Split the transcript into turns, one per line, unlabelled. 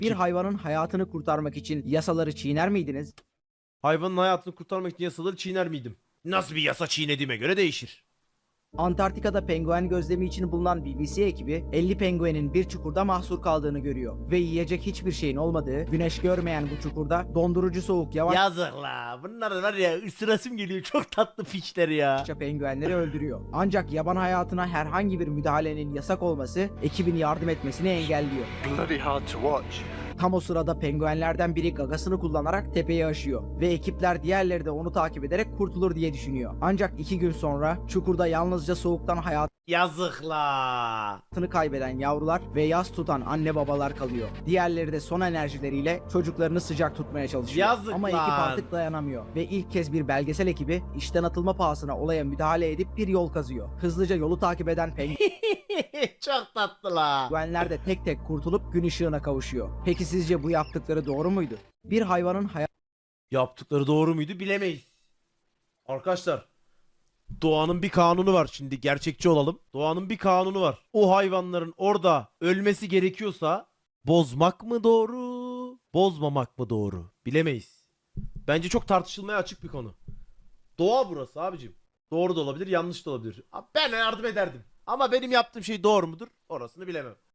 Bir hayvanın hayatını kurtarmak için yasaları çiğner miydiniz?
Hayvanın hayatını kurtarmak için yasaları çiğner miydim? Nasıl bir yasa çiğnediğime göre değişir.
Antarktika'da penguen gözlemi için bulunan BBC ekibi 50 penguenin bir çukurda mahsur kaldığını görüyor ve yiyecek hiçbir şeyin olmadığı, güneş görmeyen bu çukurda dondurucu soğuk yavaşça
Yazık la. Bunlar var ya, ısırasım geliyor. Çok tatlı piçler ya.
penguenleri öldürüyor. Ancak yaban hayatına herhangi bir müdahalenin yasak olması ekibin yardım etmesini engelliyor.
Bloody hard to watch.
Tam o sırada penguenlerden biri gagasını kullanarak tepeyi aşıyor ve ekipler diğerleri de onu takip ederek kurtulur diye düşünüyor. Ancak 2 gün sonra çukurda yalnızca soğuktan
Yazık la.
hayatını kaybeden yavrular ve yas tutan anne babalar kalıyor. Diğerleri de son enerjileriyle çocuklarını sıcak tutmaya çalışıyor.
Yazık
Ama
lan.
ekip artık dayanamıyor ve ilk kez bir belgesel ekibi işten atılma pahasına olaya müdahale edip bir yol kazıyor. Hızlıca yolu takip eden
Çok tatlı la.
penguenler de tek tek kurtulup gün ışığına kavuşuyor. Peki sizce bu yaptıkları doğru muydu? Bir hayvanın
Yaptıkları doğru muydu bilemeyiz. Arkadaşlar, doğanın bir kanunu var, şimdi gerçekçi olalım. Doğanın bir kanunu var. O hayvanların orada ölmesi gerekiyorsa bozmak mı doğru, bozmamak mı doğru bilemeyiz. Bence çok tartışılmaya açık bir konu. Doğa burası abicim. Doğru da olabilir, yanlış da olabilir. Ben yardım ederdim. Ama benim yaptığım şey doğru mudur? Orasını bilemem.